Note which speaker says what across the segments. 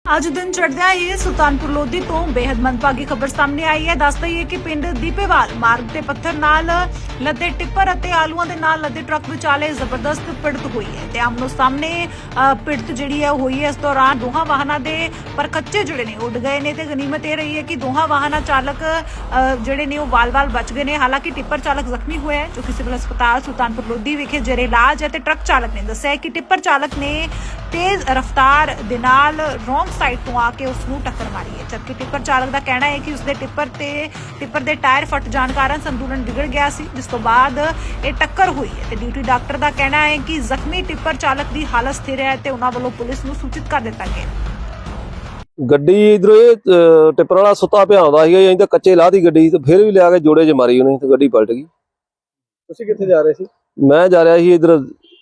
Speaker 1: ਅੱਜ ਦਿਨ ਚੜ੍ਹਦਿਆਂ ਹੀ ਸੁਲਤਾਨਪੁਰ ਲੋਧੀ ਤੋਂ ਬੇहद ਮੰਦਭਾਗੀ ਖਬਰ ਸਾਹਮਣੇ ਆਈ ਹੈ। ਦੱਸ ਦਈਏ ਕਿ ਪਿੰਡ ਦੀਪੇਵਾਲ ਮਾਰਗ ਤੇ ਪੱਥਰ ਨਾਲ ਲੱਦੇ ਟਿੱਪਰ ਅਤੇ ਆਲੂਆਂ ਦੇ ਨਾਲ ਲੱਦੇ ਟਰੱਕ ਵਿਚਾਲੇ ਜ਼ਬਰਦਸਤ ਭਿੜਤ ਹੋਈ ਹੈ ਤੇ ਆਮਨੋ ਸਾਹਮਣੇ ਭਿੜਤ ਜਿਹੜੀ ਹੈ ਹੋਈ ਹੈ। ਇਸ ਦੌਰਾਨ ਦੋਹਾਂ ਵਾਹਨਾਂ ਦੇ ਪਰਖੱਚੇ ਜਿਹੜੇ ਨੇ ਉੱਡ ਗਏ ਨੇ ਤੇ ਗਨੀਮਤ ਇਹ ਰਹੀ ਹੈ ਕਿ ਦੋਹਾਂ ਵਾਹਨਾਂ ਚਾਲਕ ਜਿਹੜੇ ਨੇ ਉਹ ਵਾਲ-ਵਾਲ ਬਚ ਗਏ ਨੇ। ਹਾਲਾਂਕਿ ਟਿੱਪਰ ਚਾਲਕ ਜ਼ਖਮੀ ਹੋਇਆ ਹੈ ਜੋ ਕਿ ਸਿਵਲ ਹਸਪਤਾਲ ਸੁਲਤਾਨਪੁਰ ਲੋਧੀ ਵਿਖੇ ਜੇਰੇ ਇਲਾਜ ਹੈ ਤੇ ਟਰੱਕ ਚਾਲਕ ਨੇ ਦੱਸਿਆ ਕਿ ਟਿੱਪਰ ਚਾਲਕ ਨੇ तेज रफ्तार दे नाल रोंग साइड तो आके उसनूं टक्कर मारी है। जबकि टिप्पर चालक का कहना है कि उसके टिप्पर दे टायर फट जाने कारण संतुलन बिगड़ गया सी, जिस तो बाद ये टक्कर हुई है। ते ड्यूटी डॉक्टर का कहना है कि जख्मी टिप्पर चालक की हालत स्थिर है ते उन्हां वल्लों पुलिस नूं सूचित कर दिता गया।
Speaker 2: ਗੱਡੀ ਇਧਰੋਂ ਇਹ ਟਿੱਪਰ ਵਾਲਾ ਸੁੱਤਾ ਪਿਆ ਆਉਂਦਾ ਸੀਗਾ, ਅਸੀਂ ਤਾਂ ਕੱਚੇ ਲਾਹ ਦੀ ਗੱਡੀ ਤੇ ਫਿਰ ਵੀ ਲਿਆ ਕੇ ਜੋੜੇ 'ਚ ਮਾਰੀ ਉਹਨੇ ਤੇ ਗੱਡੀ ਪਲਟ ਗਈ।
Speaker 3: ਤੁਸੀਂ ਕਿੱਥੇ ਜਾ ਰਹੇ ਸੀ?
Speaker 2: ਮੈਂ ਜਾ ਰਿਹਾ ਸੀ ਇਧਰ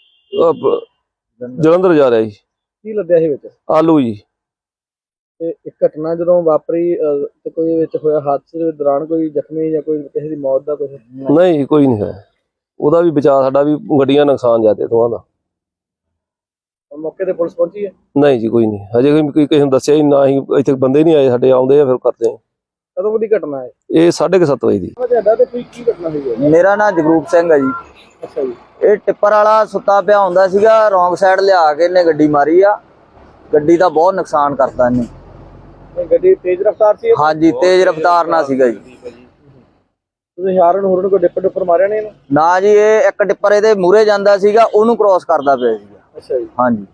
Speaker 2: ਜਲੰਧਰ ਜਾ ਰਿਹਾ ਸੀ।
Speaker 3: ਕੀ ਲੱਦਿਆ ਸੀ ਵਿੱਚ?
Speaker 2: ਆਲੂ ਜੀ।
Speaker 3: ਤੇ ਇੱਕ ਘਟਨਾ ਜਦੋਂ ਵਾਪਰੀ ਤੇ ਕੋਈ ਵਿੱਚ ਹੋਇਆ ਹਾਦਸੇ ਦੇ ਦੌਰਾਨ ਕੋਈ ਜ਼ਖਮੀ ਜਾਂ ਕੋਈ ਕਿਸੇ ਦੀ ਮੌਤ ਦਾ ਕੁਝ?
Speaker 2: ਨਹੀਂ, ਕੋਈ ਨਹੀਂ ਹੈ। ਉਹਦਾ ਵੀ ਬਚਾਅ, ਸਾਡਾ ਵੀ ਗੱਡੀਆਂ ਨੁਕਸਾਨ ਜਾਂਦੇ ਦੋਵਾਂ ਦਾ।
Speaker 3: ਮੌਕੇ ਤੇ ਪੁਲਿਸ ਪਹੁੰਚੀ ਹੈ? ਨਹੀਂ
Speaker 2: ਜੀ, ਕੋਈ ਨਹੀਂ, ਹਜੇ ਕੋਈ ਕਿਸੇ ਨੂੰ ਦੱਸਿਆ ਹੀ ਨਾ। ਹੀ ਇੱਥੇ ਬੰਦੇ ਨਹੀਂ ਆਏ ਸਾਡੇ, ਆਉਂਦੇ ਆ ਫਿਰ ਕਰਦੇ ਆ।
Speaker 3: ਕਦੋਂ ਦੀ ਘਟਨਾ ਹੈ
Speaker 2: ਇਹ 7:30 ਵਜੇ ਦੀ।
Speaker 3: ਤੁਹਾਡਾ ਤੇ ਕੀ ਘਟਨਾ ਹੋਈ ਹੈ?
Speaker 4: ਮੇਰਾ ਨਾਮ ਜਗਰੂਪ ਸਿੰਘ ਹੈ ਜੀ।
Speaker 3: ਅੱਛਾ ਜੀ।
Speaker 4: ਇਹ ਟਿੱਪਰ ਵਾਲਾ ਸੁੱਤਾ ਪਿਆ ਹੁੰਦਾ ਸੀਗਾ, ਰੋਂਗ ਸਾਈਡ ਲਿਆ ਕੇ ਇਹਨੇ ਗੱਡੀ ਮਾਰੀ ਆ। ਗੱਡੀ ਦਾ ਬਹੁਤ ਨੁਕਸਾਨ ਕਰਤਾ ਇਹਨੇ।
Speaker 3: ਇਹ ਗੱਡੀ ਤੇਜ਼ ਰਫ਼ਤਾਰ ਸੀ?
Speaker 4: ਹਾਂਜੀ, ਤੇਜ਼ ਰਫ਼ਤਾਰ ਨਾਲ ਸੀਗਾ ਜੀ।
Speaker 3: ਤੁਸੀਂ ਹਾਰਨ ਹੋਰਨ ਕੋਈ ਡਿੱਪਰ ਮਾਰਿਆ ਨਹੀਂ ਇਹਨੂੰ?
Speaker 4: ਨਾ ਜੀ, ਇਹ ਇੱਕ ਟਿੱਪਰ ਇਹਦੇ ਮੂਹਰੇ ਜਾਂਦਾ ਸੀਗਾ, ਉਹਨੂੰ ਕ੍ਰੋਸ ਕਰਦਾ ਪਿਆ ਸੀਗਾ।
Speaker 3: ਅੱਛਾ ਜੀ।
Speaker 4: ਹਾਂਜੀ।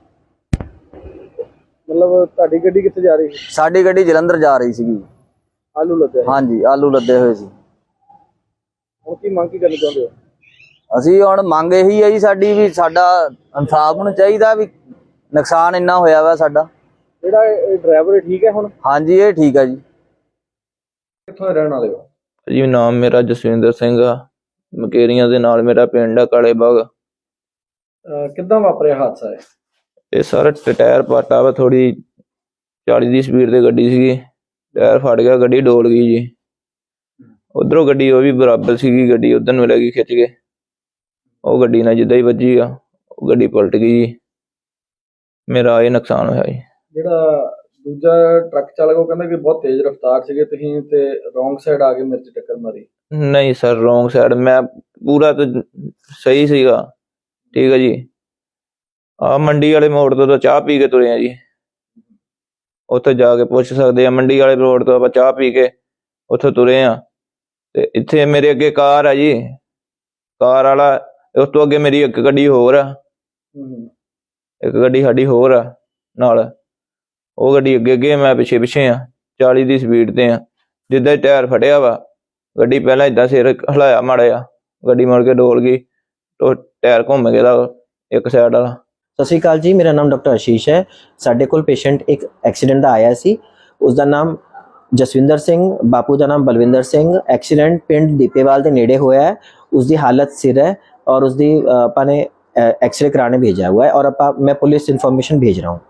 Speaker 3: ਮਤਲਬ ਤੁਹਾਡੀ ਗੱਡੀ ਕਿੱਥੇ ਜਾ ਰਹੀ ਸੀ?
Speaker 4: ਸਾਡੀ ਗੱਡੀ ਜਲੰਧਰ ਜਾ ਰਹੀ ਸੀਗੀ।
Speaker 3: ਆਲੂ ਲੱਦੇ?
Speaker 4: ਹਾਂਜੀ, ਆਲੂ ਲੱਦੇ ਹੋਏ ਸੀ।
Speaker 3: ਹੁਣ ਕੀ ਮੰਗ ਕੀ ਕਰਨੀ ਚਾਹੁੰਦੇ ਹੋ?
Speaker 4: ਅਸੀਂ ਹੁਣ ਮੰਗ ਇਹੀ ਹੈ ਜੀ ਸਾਡੀ, ਵੀ ਸਾਡਾ ਇਨਸਾਫ ਨੂੰ ਚਾਹੀਦਾ, ਵੀ ਨੁਕਸਾਨ ਇੰਨਾ ਹੋਇਆ ਵਾ ਸਾਡਾ।
Speaker 3: ਜਿਹੜਾ ਇਹ ਡਰਾਈਵਰ ਠੀਕ ਹੈ ਹੁਣ?
Speaker 4: ਹਾਂਜੀ, ਇਹ ਠੀਕ ਹੈ ਜੀ।
Speaker 3: ਕਿੱਥੋਂ ਦੇ ਰਹਿਣ ਵਾਲੇ ਹੋ
Speaker 5: ਜੀ? ਨਾਮ ਮੇਰਾ ਜਸਵਿੰਦਰ ਸਿੰਘ ਆ, ਮਕੇਰੀਆਂ ਦੇ ਨਾਲ ਮੇਰਾ ਪਿੰਡ ਆ ਕਾਲੇ ਬਾਗ।
Speaker 3: ਕਿੱਦਾਂ ਵਾਪਰਿਆ ਹਾਦਸਾ?
Speaker 5: ਇਹ ਸਾਰਾ ਟਾਇਰ ਪਾਟਾ ਵਾ, ਥੋੜੀ 40 ਦੀ ਸਪੀਡ ਤੇ ਗੱਡੀ ਸੀਗੀ, ਟਾਇਰ ਫਟ ਗਿਆ, ਗੱਡੀ ਡੋਲ ਗਈ ਜੀ। ਉਧਰੋਂ ਗੱਡੀ ਉਹ ਵੀ ਬਰਾਬਰ ਸੀਗੀ, ਗੱਡੀ ਉਧਰ ਨੂੰ ਲੱਗੀ ਖਿੱਚ ਕੇ, ਉਹ ਗੱਡੀ ਨਾਲ ਜਿੱਦਾਂ ਹੀ ਵੱਜੀ ਆ ਉਹ ਗੱਡੀ ਪਲਟ ਗਈ ਜੀ। ਮੇਰਾ ਇਹ ਨੁਕਸਾਨ ਹੋਇਆ ਜੀ।
Speaker 3: ਜਿਹੜਾ ਦੂਜਾ ਟਰੱਕ ਚਾਲਕ ਉਹ ਕਹਿੰਦਾ ਕਿ ਬਹੁਤ ਤੇਜ਼ ਰਫ਼ਤਾਰ ਸੀਗੇ ਤੁਸੀਂ ਤੇ ਰੋਂਗ ਸਾਈਡ ਆ ਕੇ ਮੇਰੇ 'ਚ ਟੱਕਰ ਮਾਰੀ?
Speaker 5: ਨਹੀਂ ਸਰ, ਰੋਂਗ ਸਾਈਡ, ਮੈਂ ਪੂਰਾ ਤਾਂ ਸਹੀ ਸੀਗਾ। ਠੀਕ ਹੈ ਜੀ। ਆ ਮੰਡੀ ਵਾਲੇ ਮੋੜ ਤੋਂ ਤਾਂ ਚਾਹ ਪੀ ਕੇ ਤੁਰੇ ਆ ਜੀ, ਉੱਥੇ ਜਾ ਕੇ ਪੁੱਛ ਸਕਦੇ ਆ। ਮੰਡੀ ਵਾਲੇ ਰੋਡ ਤੋਂ ਆਪਾਂ ਚਾਹ ਪੀ ਕੇ ਉੱਥੇ ਤੁਰੇ ਆ ਤੇ ਇੱਥੇ ਮੇਰੇ ਅੱਗੇ ਕਾਰ ਆ ਜੀ, ਕਾਰ ਵਾਲਾ, ਉਸ ਤੋਂ ਅੱਗੇ ਮੇਰੀ ਇੱਕ ਗੱਡੀ ਹੋਰ ਆ, ਇੱਕ ਗੱਡੀ ਸਾਡੀ ਹੋਰ ਆ ਨਾਲ, ਉਹ ਗੱਡੀ ਅੱਗੇ ਮੈਂ ਪਿੱਛੇ ਆ, 40 ਦੀ ਸਪੀਡ ਤੇ ਆ। ਜਿੱਦਾਂ ਹੀ ਟਾਇਰ ਫਟਿਆ ਵਾ, ਗੱਡੀ ਪਹਿਲਾਂ ਏਦਾਂ ਸਿਰ ਹਿਲਾਇਆ ਮਾੜਾ ਜਿਹਾ, ਗੱਡੀ ਮੁੜ ਕੇ ਡੋਲ ਗਈ, ਟਾਇਰ ਘੁੰਮ ਗਿਆ ਇੱਕ ਸਾਈਡ ਵਾਲਾ।
Speaker 6: ਸਤਿ ਸ਼੍ਰੀ ਅਕਾਲ ਜੀ, ਮੇਰਾ ਨਾਮ ਡਾਕਟਰ ਆਸ਼ੀਸ਼ ਹੈ। ਸਾਡੇ ਕੋਲ ਪੇਸ਼ੈਂਟ ਇੱਕ ਐਕਸੀਡੈਂਟ ਦਾ ਆਇਆ ਸੀ, ਉਸਦਾ ਨਾਮ ਜਸਵਿੰਦਰ ਸਿੰਘ, ਬਾਪੂ ਦਾ ਨਾਮ ਬਲਵਿੰਦਰ ਸਿੰਘ। ਐਕਸੀਡੈਂਟ ਪਿੰਡ ਦੀਪੇਵਾਲ ਦੇ ਨੇੜੇ ਹੋਇਆ ਹੈ। ਉਸਦੀ ਹਾਲਤ ਸਿਰ है और उसकी ਆਪਾਂ ਨੇ एक्सरे कराने भेजा हुआ है और मैं पुलिस इन्फॉर्मेशन भेज रहा हूँ।